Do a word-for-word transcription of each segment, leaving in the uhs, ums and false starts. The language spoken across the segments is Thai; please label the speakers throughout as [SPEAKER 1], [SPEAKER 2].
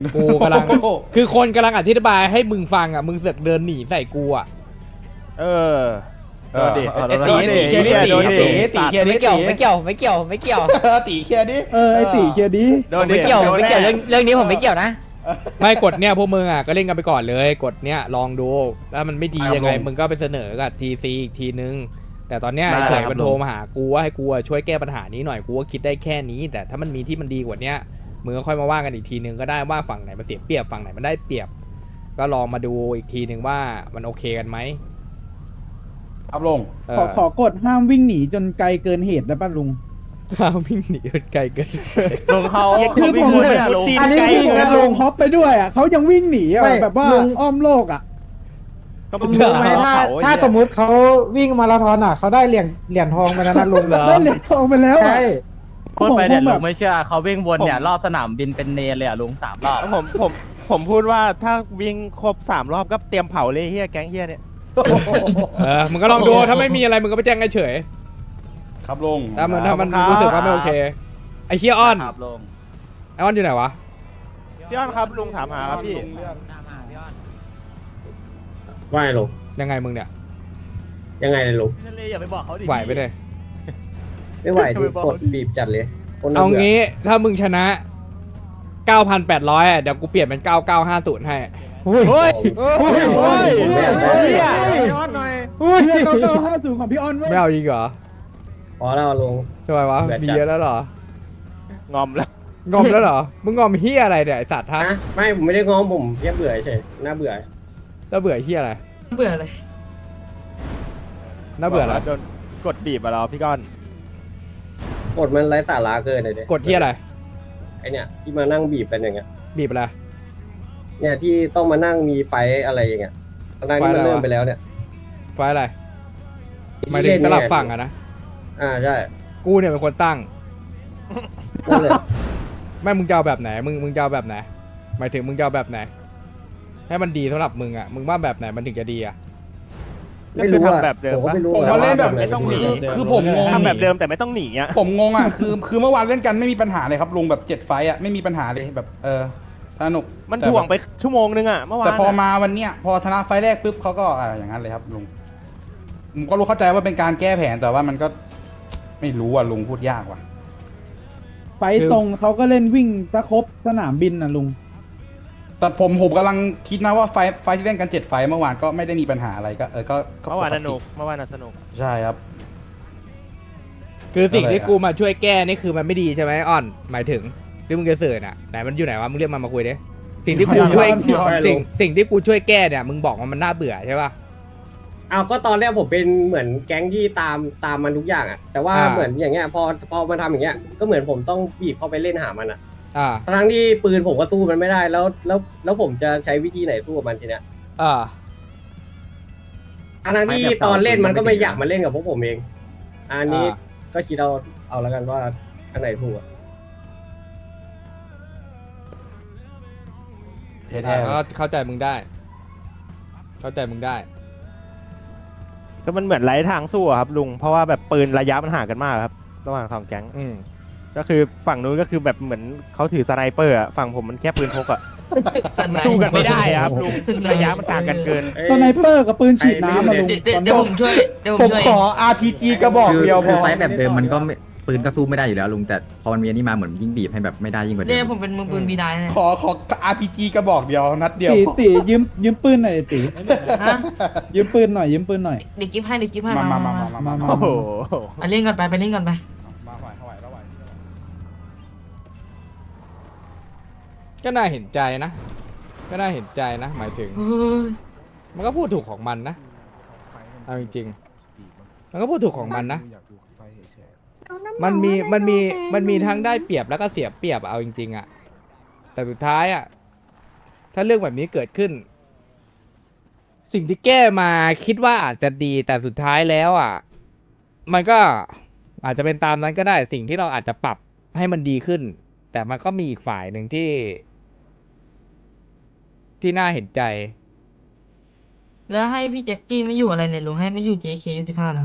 [SPEAKER 1] กูกำลังคือคนกำลังอธิบายให้มึงฟังอ่ะมึงเสือกเดินหนีใส่กูอ่ะ
[SPEAKER 2] เออโดนดิ
[SPEAKER 3] เออ
[SPEAKER 2] โดน
[SPEAKER 3] ตี
[SPEAKER 2] ดิ
[SPEAKER 3] ตี
[SPEAKER 2] เฮียโดนดิ
[SPEAKER 3] ตีเคลียร์ดิ
[SPEAKER 4] ไม่เกี่ยวไม่เกี่ยวไม่เกี่ยวไม่เกี่ยว
[SPEAKER 3] ตีเคลียร์ดิ
[SPEAKER 5] เออไอตีเคลียร์ดิ
[SPEAKER 2] โดนดิ
[SPEAKER 4] ไม่เกี่ยว
[SPEAKER 2] โดน
[SPEAKER 4] ไม่
[SPEAKER 2] แน่
[SPEAKER 4] เกี่ยวเรื่องเรื่องนี้ผมไม่เกี่ยวนะ
[SPEAKER 1] ไม่กดเนี่ยพวกมึงอ่ะก็เล่นกันไปก่อนเลยกดเนี้ยลองดูแล้วมันไม่ดียังไงมึงก็ไปเสนอกับทีซีอีกทีนึงแต่ตอนเนี้ยไอ้เฉยมันโทรมาหากูว่าให้กูอะช่วยแก้ปัญหานี้หน่อยกูก็คิดได้แค่นี้ แต่ถ้ามันมีที่มันดีกว่าเนี้ยมึงก็ค่อยมาว่ากันอีกทีนึงก็ได้ว่าฝั่งไหนมันเสียเปรียบฝั่งไหนมันได้เปรียบ ก็ลองมาดูอีกทีนึงว่ามันโอเคกันไหม
[SPEAKER 3] ครับลุง
[SPEAKER 1] เอ
[SPEAKER 5] ขอ
[SPEAKER 1] อ
[SPEAKER 5] ขอกดห้ามวิ่งหนีจนไกลเกินเหตุได้ป่ะลุง
[SPEAKER 1] ถ้าวิ่งหนีไกลเกิน
[SPEAKER 2] ลงเขา
[SPEAKER 5] คือ
[SPEAKER 2] เขาวิ่
[SPEAKER 5] ผ
[SPEAKER 2] ง
[SPEAKER 5] ม
[SPEAKER 2] เลยอะลง
[SPEAKER 5] อันนี้คือลงฮอปไปด้วยอ่ะเขายังวิ่งหนีอ่ะแบบว่าอ้อมโลกอ่ะ
[SPEAKER 2] เขา
[SPEAKER 6] ลุงรู้ไหมถ้าถ้าสมมุติเขาวิ่งมาราธอนอ่ะเขาได้เหรียญเหรียญทองไปแล้วนะลุง
[SPEAKER 5] ได้เหรียญทองไปแล้วอะ
[SPEAKER 6] ใช่
[SPEAKER 7] พูดไปเนี่ย
[SPEAKER 5] ผมแบบ
[SPEAKER 7] ลุงไม่เชื่อเขาวิ่งวนเนี่ยรอบสนามบินเป็นเนรเลยอ่ะลุงสามรอบ
[SPEAKER 2] ผมผมผมพูดว่าถ้าวิ่งครบสามรอบก็เตรียมเผาเลยเฮียแก๊งเฮียเนี่ย
[SPEAKER 1] เออมึงก็ลองดูถ้าไม่มีอะไรมึงก็ไปแจ้งเฉย
[SPEAKER 3] ครับลุง
[SPEAKER 1] ๆถ้ามันถ้ามันรู้สึกว่าไม่โอเคไอ้เฮียอ้อน
[SPEAKER 7] ครับลุง
[SPEAKER 1] ไอ้อ้อนอยู่ไหนวะ
[SPEAKER 2] พี่อ้อนครับลุงถามหาครับพี่
[SPEAKER 8] ว่าไงลุง
[SPEAKER 1] ยังไงมึงเนี่ย
[SPEAKER 8] ยังไงเลยลุง
[SPEAKER 7] ทะเลอย่าไปบอกเขาดิ
[SPEAKER 1] ไหวไปเลย
[SPEAKER 8] ไม่ไหวดิกดบีบจัดเลยคน
[SPEAKER 1] เอา
[SPEAKER 8] บื่
[SPEAKER 1] งี้ถ้ามึงชนะ เก้าพันแปดร้อย อ่ะเดี๋ยวกูเปลี่ยนเป็น เก้าเก้าห้าศูนย์ ให้
[SPEAKER 6] อุ้ย
[SPEAKER 2] เฮ้ย
[SPEAKER 6] อุ้ยอุ้ย
[SPEAKER 8] ผมไม่อยากได้
[SPEAKER 2] เฮีย
[SPEAKER 6] อุ้ย
[SPEAKER 5] เก้าเก้าห้าศูนย์ของพี่ออนเว้ย
[SPEAKER 1] ไม่เอาอีกเหรอ
[SPEAKER 8] พอแล้วลุง
[SPEAKER 1] ทำไมวะ
[SPEAKER 8] เบื่อจัด
[SPEAKER 1] มีเยอะแล้วเหรอ
[SPEAKER 2] งอมแล้ว
[SPEAKER 1] งอมแล้วเหรอ มึงงอมเฮียอะไรเนี่ยไอสัตว์ฮะ
[SPEAKER 8] นะไม่ผมไม่ได้ง้อมผมแค่เบื่อเฉยน่าเบื่อ
[SPEAKER 1] แล้วเบื่อเฮียอะไร
[SPEAKER 4] เบื่อเลย
[SPEAKER 1] น่าเบื่ออะไร
[SPEAKER 2] โดนกดบีบมาแล้วพี่ก้อน
[SPEAKER 8] กดมันไร้สาระเกินเลยดิ
[SPEAKER 1] กดเฮียอะไร
[SPEAKER 8] ไอเนี่ยที่มานั่งบีบกันอย่างเงี้ย
[SPEAKER 1] บีบอะไร
[SPEAKER 8] เนี่ยที่ต้องมานั่งมีไฟอะไรอย่างเงี้ยตอนนั้นที่มัน
[SPEAKER 1] ไฟอะไรวะ
[SPEAKER 8] เริ่มไปแล้วเนี่ย
[SPEAKER 1] ไฟอะไรหมายถึงสลับฝั่งอะนะ
[SPEAKER 8] อ่าใช่
[SPEAKER 1] กูเนี่ยเป็นคนตั้ง
[SPEAKER 8] นั่นแหละ
[SPEAKER 1] ไม่มึงจะเอาแบบไหน มึงมึงจะเอาแบบไหน หมายถึงมึงจะเอาแบบไหน ให้มันดีสำหรับมึงอ่ะ มึงว่าแบบไหนมันถึงจะดีอ่ะ
[SPEAKER 8] ไม่รู้
[SPEAKER 2] ก็คือ
[SPEAKER 8] อะ
[SPEAKER 2] ทำแบบเดิม
[SPEAKER 8] ผมก็
[SPEAKER 2] ปะ
[SPEAKER 8] ไม่รู้
[SPEAKER 3] ผม
[SPEAKER 8] อะ
[SPEAKER 3] ก็เล่นแบบ
[SPEAKER 8] ว่า
[SPEAKER 3] ไม่ต้องหนี
[SPEAKER 8] แบบ
[SPEAKER 3] คือผมงง
[SPEAKER 2] ทำแบบเดิมแต่ไม่ต้องหนีอ่ะ
[SPEAKER 3] ผมงงอ่ะคือคือเมื่อวานเล่นกันไม่มีปัญหาเลยครับลุงแบบเจ็ดไฟต์อ่ะไม่มีปัญหาเลยแบบเออสนุก
[SPEAKER 2] มัน
[SPEAKER 3] แต่
[SPEAKER 2] ถ่วงไปชั่วโมงนึงอ่ะเมื่อวาน
[SPEAKER 3] แต่พอ
[SPEAKER 2] อะ
[SPEAKER 3] มาวันเนี้ยพอชนะไฟต์แรกปุ๊บเขาก็อ่าอย่างนั้นเลยครับลุงผมก็รู้เข้าใจว่าเป็นการแก้แผนแต่ว่ามันก็ ไม่รู้อ่ะลุงพูดยากว่ะ
[SPEAKER 5] ไปตรงเขาก็เล่นวิ่งซะครบสนามบินน่ะลุง
[SPEAKER 3] แต่ผมผมกำลังคิดนะว่าไฟต์ไฟต์ที่เล่นกันเจ็ดไฟต์เมื่อวานก็ไม่ได้มีปัญหาอะไรก็เออก็
[SPEAKER 2] เมื่อวานสนุกเมื่อวานน่ะสนุก
[SPEAKER 3] ใช่ครับ
[SPEAKER 1] คือสิ่ง
[SPEAKER 3] อะไร
[SPEAKER 1] ที่
[SPEAKER 3] อะ
[SPEAKER 1] กูมาช่วยแก้นี่คือมันไม่ดีใช่ไหมอ่อน หมายถึงที่มึงจะสื่อน่ะไหนมันอยู่ไหนวะ มึงเรียกมันมาคุยดิ สิ่งที่กูช่วย
[SPEAKER 3] พี่อ้อน
[SPEAKER 1] สิ่งสิ่งที่กูช่วยแก้เนี่ย มึงบอกว่ามันน่าเบื่อใช่ป่ะ
[SPEAKER 8] เอาก็ตอนแรกผมเป็นเหมือนแก๊งที่ตามตามมันทุกอย่างอะแต่ว่า
[SPEAKER 1] อ่า
[SPEAKER 8] เหมือนอย่างเงี้ยพอพอมันทำอย่างเงี้ยก็เหมือนผมต้องบีบเข้าไปเล่นหามันอะ
[SPEAKER 1] อ่า
[SPEAKER 8] ทั้งที่ปืนผมก็สู้มันไม่ได้แล้วแล้วแล้วผมจะใช้วิธีไหนสู้กับมันทีเนี้ย
[SPEAKER 1] อ่า
[SPEAKER 8] ทั้งที่ตอนเล่นมันก็ไม่อยากมาเล่นกับพวกผมเอง อันนี้
[SPEAKER 1] อ่า
[SPEAKER 8] ก็คิดเอาเอาแล้วกันว่าอันไหนถูกอะ
[SPEAKER 3] แท้ๆ
[SPEAKER 1] ก็เข้าใจมึงได้ เข้าใจมึงได้
[SPEAKER 2] ก็มันเหมือนไร้ทางสู้อะครับลุงเพราะว่าแบบปืนระยะมันห่างกันมากครับระหว่างสองแก๊ง
[SPEAKER 1] อืม
[SPEAKER 2] ก็คือฝั่งนู้นก็คือแบบเหมือนเขาถือสไนเปอร์อะฝั่งผมมันแค่ปืนพกอะสู้กันไม่ได้อะครับลุงระยะมันต่างกันเกิน
[SPEAKER 8] เอ้ย
[SPEAKER 5] สไนเปอร์กับปืนฉีดน้ำมาลุง
[SPEAKER 4] เดี๋ยวเดี๋ยวผมช่วยเดี๋ยวผ
[SPEAKER 3] ผม ม
[SPEAKER 4] ช่วย
[SPEAKER 3] ขอ อาร์ พี จี กระบอก
[SPEAKER 9] คือ
[SPEAKER 3] เดียวพ
[SPEAKER 9] คือ
[SPEAKER 3] อ
[SPEAKER 9] ไฟท์แบบเดิมมันก็ไม่ปืนก็สู้ไม่ได้อยู่แล้วลุงแต่พอมันมีอันนี้มาเหมือนยิ่งบีบให้แบบไม่ได้ยิ่งกว่าเดิ
[SPEAKER 4] เนี่ย
[SPEAKER 9] ม
[SPEAKER 4] ผมเป็นมือปืนบีได้เนี่ย
[SPEAKER 3] ขอขอ อาร์ พี จี กระบอกเดียวนัดเดียว
[SPEAKER 5] ตี
[SPEAKER 3] พอ
[SPEAKER 5] ตียืมยืมปืนหน่อยดิตี
[SPEAKER 4] ฮะ
[SPEAKER 5] ยืมปืนหน่อยยืมปืนหน่อย
[SPEAKER 4] เด็กกิ๊บให้เด็กกิ๊บให้
[SPEAKER 3] มา
[SPEAKER 4] มา
[SPEAKER 3] มา
[SPEAKER 4] มา
[SPEAKER 3] มา
[SPEAKER 4] มา
[SPEAKER 3] มามามา
[SPEAKER 2] โอ้โห
[SPEAKER 4] ไปเล่นกันไปไปเล่นกันไป
[SPEAKER 3] มาไหวไหวไหว
[SPEAKER 1] ก็น่าเห็นใจนะ ก็น่าเห็นใจนะ หมายถึง
[SPEAKER 4] เฮ้ย
[SPEAKER 1] มันก็พูดถูกของมันนะ เอาจริงๆ มันก็พูดถูกของมันนะ มันมี มันมี มันมีทั้งได้เปรียบแล้วก็เสียเปรียบเอาจริงๆอะแต่สุดท้ายอะถ้าเรื่องแบบนี้เกิดขึ้น สิ่งที่แก้มาคิดว่าอาจจะดีแต่สุดท้ายแล้วอะมันก็อาจจะเป็นตามนั้นก็ได้ สิ่งที่เราอาจจะปรับให้มันดีขึ้น แต่มันก็มีอีกฝ่ายหนึ่งที่ ที่น่าเห็นใจ
[SPEAKER 4] แล้วให้พี่แจ็คกี้ไม่อยู่อะไรเนี่ยลุงให้ไม่อยู่ เจ เค อยู่สิบห้าแล้ว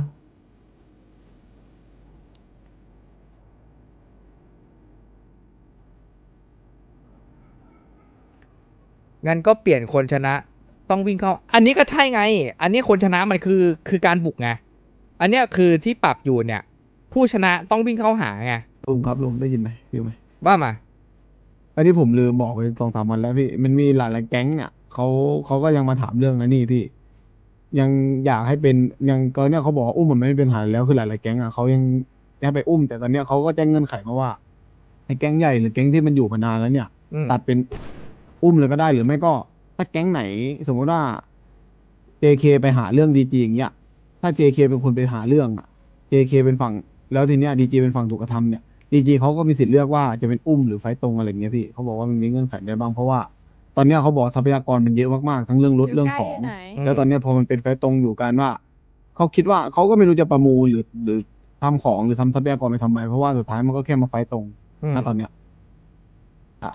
[SPEAKER 1] งั้นก็เปลี่ยนคนชนะต้องวิ่งเข้า อันนี้ก็ใช่ไง อันนี้คนชนะมันคือคือการบุกไง อันเนี้ยคือที่ปรับอยู่เนี่ย ผู้ชนะต้องวิ่งเข้าหาไง
[SPEAKER 10] ลุงครับลุงได้ยินไหมฟิวไหม
[SPEAKER 1] ว่ามา
[SPEAKER 10] อันนี้ผมลืมบอกไปสองสามวันแล้วพี่มันมีหลายๆแก๊งเนี่ยเขาเขาก็ยังมาถามเรื่องนั้นนี่พี่ ยังอยากให้เป็นยังตอนเนี้ยเขาบอกว่าอุ้มมันไม่เป็นปัญหาแล้วคือหลายๆแก๊งอ่ะเขายังให้ไปอุ้ม แต่ตอนเนี้ยเขาก็แจ้งเงื่อนไขมาว่าในแก๊งใหญ่หรือแก๊งที่มันอยู่มานานแล้วเนี่ย
[SPEAKER 1] อืม
[SPEAKER 10] ตัดเป็นอุ้มเลยก็ได้หรือไม่ก็ถ้าแก๊งไหน สมมติว่า เจ เค ไปหาเรื่องดีจีอย่างเงี้ยถ้า เจ เค เป็นคนไปหาเรื่องอะ เจ เค เป็นฝั่งแล้วทีเนี้ยดีจีเป็นฝั่งถูกกระทำเนี่ยดีจีเขาก็มีสิทธิ์เลือกว่าจะเป็นอุ้มหรือไฟต์ตรงอะไรอย่างเงี้ยพี่เขาบอกว่ามันมีเงื่อนไขได้บ้างเพราะว่า ตอนเนี้ยเขาบอกทรัพยากรมันเยอะมากๆทั้งเรื่องรถเรื่องของ แล้วตอนเนี้ยพอมันเป็นไฟต์ตรงอยู่กันว่าเขาคิดว่าเขาก็ไม่รู้จะประมูลหรือหรือทำของหรือทำทรัพยากรไปทำไมเพราะว่าสุดท้ายมันก็แค่มาไฟต์ตรง
[SPEAKER 1] อืม
[SPEAKER 10] ณตอนเนี้ยอ่ะ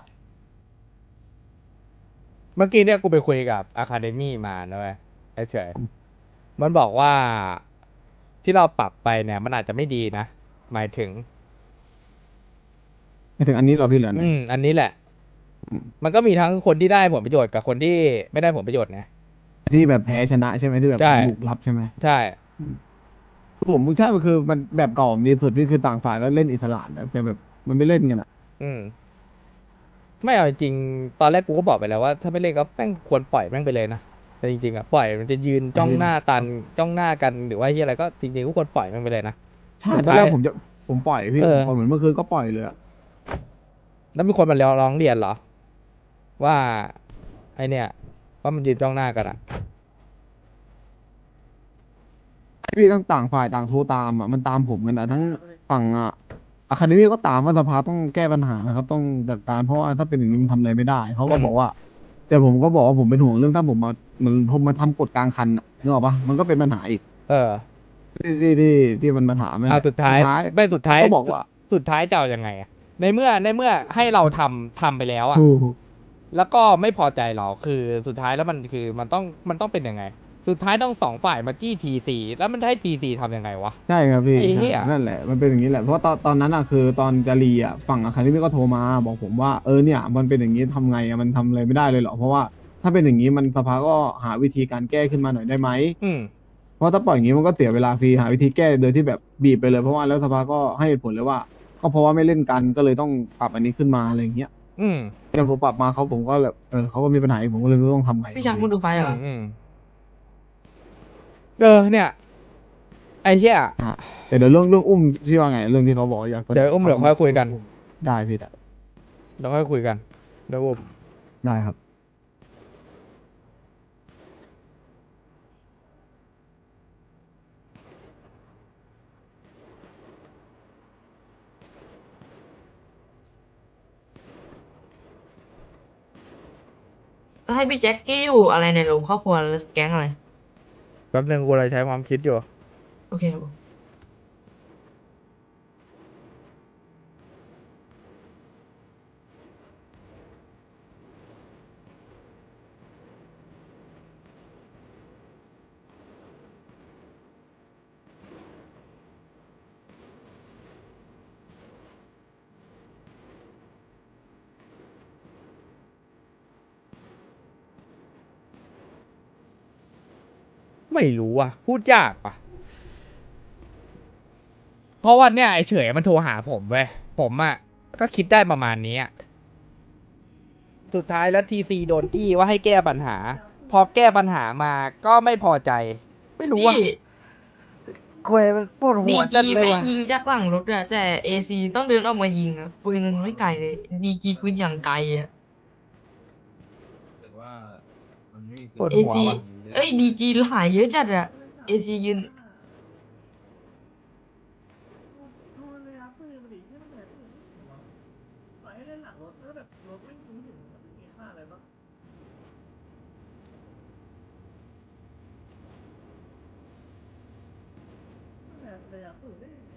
[SPEAKER 1] เมื่อกี้เนี่ยกูไปคุยกับอะคาเดมี่มานะเว้ยเฉยๆมันบอกว่าที่เราปรับไปเนี่ย มันอาจจะไม่ดีนะ หมายถึง
[SPEAKER 10] ไม่ถึงอันนี้เราพี่เหลือไหน
[SPEAKER 1] อืม อันนี้แหละ มันก็มีทั้งคนที่ได้ผลประโยชน์กับคนที่ไม่ได้ผลประโยชน์ไง
[SPEAKER 10] ที่แบบแพ้ชนะใช่ไหมที่แบบ
[SPEAKER 1] ใช่
[SPEAKER 10] บุกรับใช่ไหม
[SPEAKER 1] ใช่
[SPEAKER 10] ผมใช่มันคือมันแบบเก่าดีสุดพี่คือต่างฝ่ายก็เล่นอิสระนะแต่แบบมันไม่เล่นกันอ่ะ
[SPEAKER 1] อืม ไม่เอาจริงๆตอนแรกกูก็บอกไปแล้วว่าถ้าไม่เล่นก็แม่งควรปล่อยแม่งไปเลยนะ แต่จริงๆอ่ะปล่อยมันจะยืนจ้องหน้าตันจ้องหน้ากันหรือว่าที่อะไรก็จริงๆก็ควรปล่อยแม่งไปเลยนะ
[SPEAKER 10] ใช่
[SPEAKER 1] สุด
[SPEAKER 10] ตอน
[SPEAKER 1] ท้าย
[SPEAKER 10] แรกผมจะผมปล่อยพี่
[SPEAKER 1] เออ
[SPEAKER 10] พอเหมือนเมื่อคืนก็ปล่อยเลยอะ
[SPEAKER 1] แล้วมีคนมาร้องเรียนเหรอ ว่าไอเนี่ยว่ามันยืนจ้องหน้ากันอ่ะ
[SPEAKER 10] พี่ต้องต่างฝ่ายต่างโทรตามอ่ะมันตามผมกันอ่ะทั้งฝั่งอ่ะอะคาเดมี่ก็ตามว่าสภาต้องแก้ปัญหานะครับ ต้องจัดการเพราะว่าถ้าเป็นอย่างนี้มันทำอะไรไม่ได้เขาก็
[SPEAKER 1] อืม
[SPEAKER 10] บอกว่า แต่ผมก็บอกว่าผมเป็นห่วงเรื่องถ้าผมมาเหมือนผมมาทำกฎกลางคันอะนึกออกปะมันก็เป็นปัญหาอีก
[SPEAKER 1] เออ
[SPEAKER 10] ที่ที่ที่ที่มันมาถามนั่นแห
[SPEAKER 1] เอา
[SPEAKER 10] ละ
[SPEAKER 1] สุดท้ายไม่สุดท้าย
[SPEAKER 10] ก็บอกว่า
[SPEAKER 1] สุดท้ายจะเอายังไงอะในเมื่อในเมื่อให้เราทำทำไปแล้วอ่ะ
[SPEAKER 10] ถูก
[SPEAKER 1] แล้วก็ไม่พอใจเราคือสุดท้ายแล้วมันคือมันต้องมันต้องเป็นยังไง สุดท้ายต้องสองฝ่ายมาจี้ทีซีแล้วมันจะให้ทีซีทำยังไงวะ
[SPEAKER 10] ใช่ครับพี่
[SPEAKER 1] ไอ้เหี้ย
[SPEAKER 10] ใช่นั่นแหละมันเป็นอย่างนี้แหละเพราะว่าตอนตอนนั้นอ่ะคือตอนจะรีอ่ะฝั่งอะคาเดมี่ก็โทรมาบอกผมว่าเออเนี่ยมันเป็นอย่างนี้ทำไงอ่ะมันทำอะไรไม่ได้เลยเหรอเพราะว่าถ้าเป็นอย่างนี้มันสภาก็หาวิธีการแก้ขึ้นมาหน่อยได้ไหม
[SPEAKER 1] อืม
[SPEAKER 10] เพราะถ้าปล่อยอย่างนี้มันก็เสียเวลาฟรีหาวิธีแก้โดยที่แบบบีบไปเลยเพราะว่าแล้วสภาก็ให้เหตุผลเลยว่า ก็เพราะว่าไม่เล่นกันก็เลยต้องปรับอันนี้ขึ้นมาอะไรอย่างเงี้ย
[SPEAKER 1] อืม
[SPEAKER 10] อย่างผมปรับมาเขาผมก็แบบเออเขาก็มีปัญหาอีกผมก็เลยไม่รู้ต้องทำไง
[SPEAKER 4] พี่ชักมึงดูไฟเหรอ
[SPEAKER 1] อืมเออเนี่ย ไอ้เหี้ย
[SPEAKER 10] อ่ะแต่เดี๋ยวเรื่องเรื่องอุ้มที่ว่าไงเรื่องที่เขาบอกอยาก
[SPEAKER 1] เดี๋ยวอุ้มเดี๋ยวค่อยคุยกัน
[SPEAKER 10] ได้พี่ได้
[SPEAKER 1] เดี๋ยวค่อยคุยกันเดี๋ยวอุ้ม
[SPEAKER 10] ได้ครับ
[SPEAKER 4] แล้วให้พี่แจ็คกี้อยู่อะไรในลุงครอบครัวแล้วแก๊งอะไร
[SPEAKER 1] แป๊บนึงกูเลยใช้ความคิดอยู่
[SPEAKER 4] โอเคครับผม
[SPEAKER 1] ไม่รู้อ่ะ พูดยากอ่ะ เพราะว่าเนี่ยไอ้เฉยมันโทรหาผมเว้ยผมอ่ะก็คิดได้ประมาณนี้อะสุดท้ายแล้วทีซีโดนจี้ว่าให้แก้ปัญหา พอแก้ปัญหามาก็ไม่พอใจ ไม่รู้ว่า
[SPEAKER 4] พี่
[SPEAKER 1] คุยมันปวดหั
[SPEAKER 4] ดี
[SPEAKER 1] วจัด
[SPEAKER 4] จี
[SPEAKER 1] เลย
[SPEAKER 4] แม่ง
[SPEAKER 1] ว่ะ
[SPEAKER 4] ยิงจากหลังรถอะแต่เอซีต้องเดินออกมายิงอะปืนมันไม่ไกลเลยดีจีปืนอย่างไกลอะ
[SPEAKER 1] ปวด
[SPEAKER 4] เอ
[SPEAKER 1] หัว
[SPEAKER 4] ซี
[SPEAKER 1] ว่ะ
[SPEAKER 4] เอ้ยดีจีหายเยอะจัดอะเอซียืน
[SPEAKER 5] เลยอ่ะ